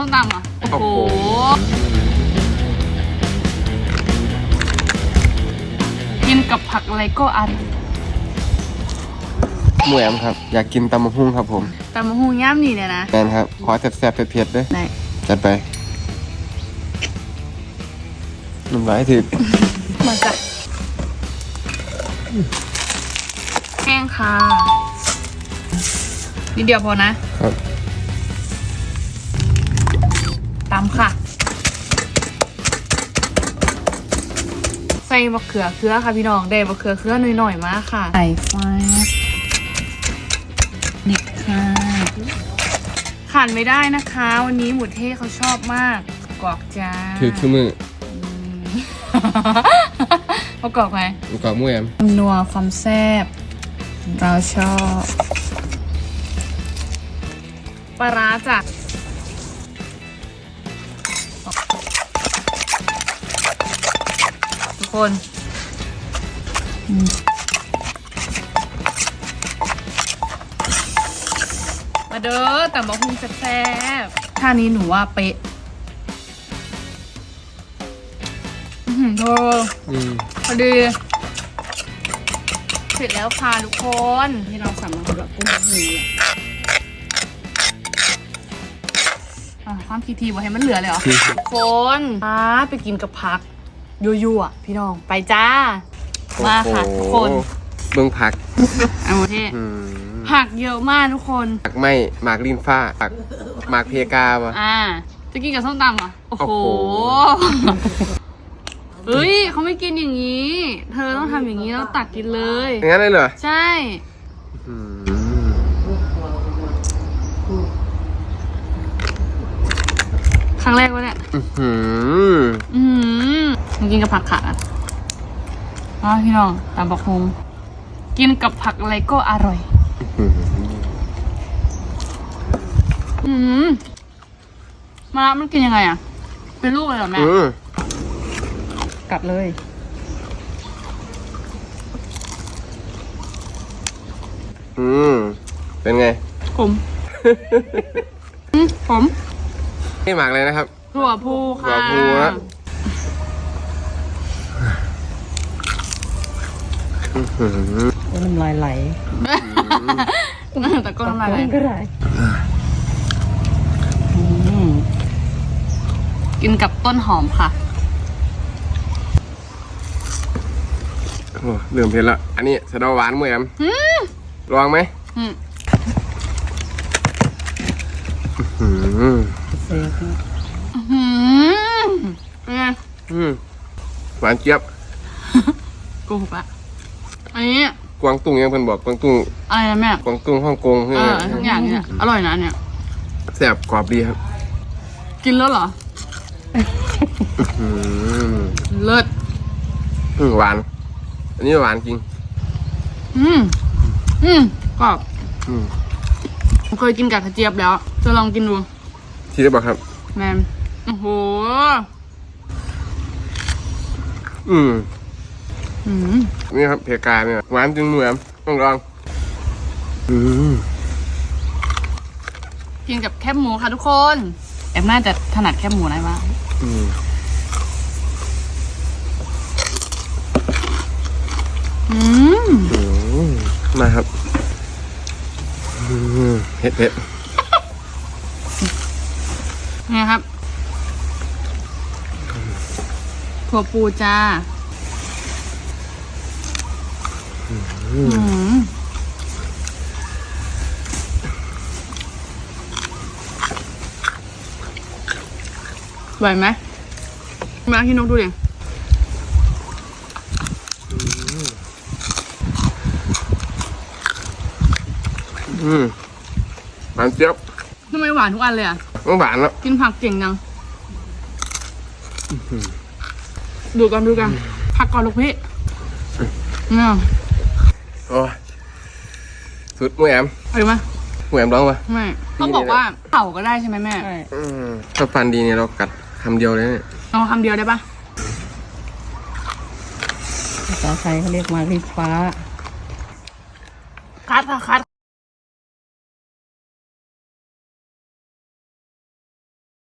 มตำเหรอโอ้โหกินกับผักอะไรก็อร่อยหมูแอมครับอยากกินตำมะฮุ่งครับผมตำมะฮุ่งย่ำนี่เนี่ยนะแมนครับขอแซ่บๆเผ็ดๆด้วยได้จัดไปน้ำลายถึกมาจ้ะแห้งค่ะนิดเดียวพอนะครับตำค่ะใส่มะเขือเคื้อค่ะพี่น้องได้มะเขือเคื้อหน่อยๆมาค่ะใส่ไฟนิดค่ะขาดไม่ได้นะคะวันนี้หมูเท่เขาชอบมากกรอกจ้าถือคือมือเขากรอกไหมกรอกหมูแอมนัวความแซ่บเราชอบปลาร้าจ้ะทุกคนมาเด้อแต่บอกคุณแซ่บๆท่านี้หนูว่าเป๊ะโธ่พอดีเสร็จแล้วค่ะทุกคนที่เราสั่งมาสำหรับกุ้งหูความทีบอกให้มันเหลือเลยเหรอทุกคนไปกินกับผักยั่วๆพี่น้องไปจ้ามาค่ะทุกคนเบื้องผักเอาโมเท่ผักเยอะมากทุกคนผักไม่หมากลิ้นฟ้าผักหมากเพกาวะจะกินกับส้มตำเหรอโอ้โหเฮ้ยเขาไม่กินอย่างนี้ เธอต้องทำอย่างนี้แล้วตักกินเลยอย่างนั้นเลยเหรอใช่ครั้งแรกวะเนี่ยมันกินกับผักขาดพี่น้องตามบอกคงกินกับผักอะไรก็อร่อยมะระมันกินยังไงอ่ะเป็นลูกเลยเหรอแม่กัดเลยเป็นไงผมนี่หมักเลยนะครับถั่วพูค่ะถั่วพูนะน้ำลายไหลแต่ก็น้ำลายไหลก็ได้กินกับต้นหอมค่ะเริ่มเผ็ดละอันนี้สะเดาหวานหมูแอมลองไหมเสียบไงหวานเจี๊ยบโกหกละอันนี้กวางตุ้งยังเพิ่นบอกกวางตุ้งอะไรนะแม่กวางตุ้งฮ่องกงทุกอย่างเนี่ยอร่อยนะเนี่ยแซ่บกรอบดีครับกินแล้วเหรอเลิศหวานอันนี้หวานจริงกรอบเคยกินกับกระเจี๊ยบแล้วจะลองกินดูที่ได้บอกครับแมมโอ้โหนี่ครับเพกาเนี่ยหวานจริงเหมือนต้องลองกินกับแคบหมูค่ะทุกคนแอมน่าจะถนัดแคบหมูได้บ้างมาครับเผ็ดนี่ครับถั่วปูจ้าไหวไหมมาพี่นกดูดิหวานเจี๊ยบทำไมหวานทุกอันเลยอ่ะหวานแล้วกินผักเก่งจังดูกันผักก่อนลูกพี่เนี่ยโอ้สุดหมูแอมเอาดูมาหมูแอมร้องปะไม่เขาบอกว่าเข่าก็ได้ใช่ไหมแม่ถ้าฟันดีเนี่ยเรากัดคำเดียวเลยเนี่ยเอาคำเดียวได้ปะภาษาไทยเขาเรียกมาริฟ้าคัดค่ะคัด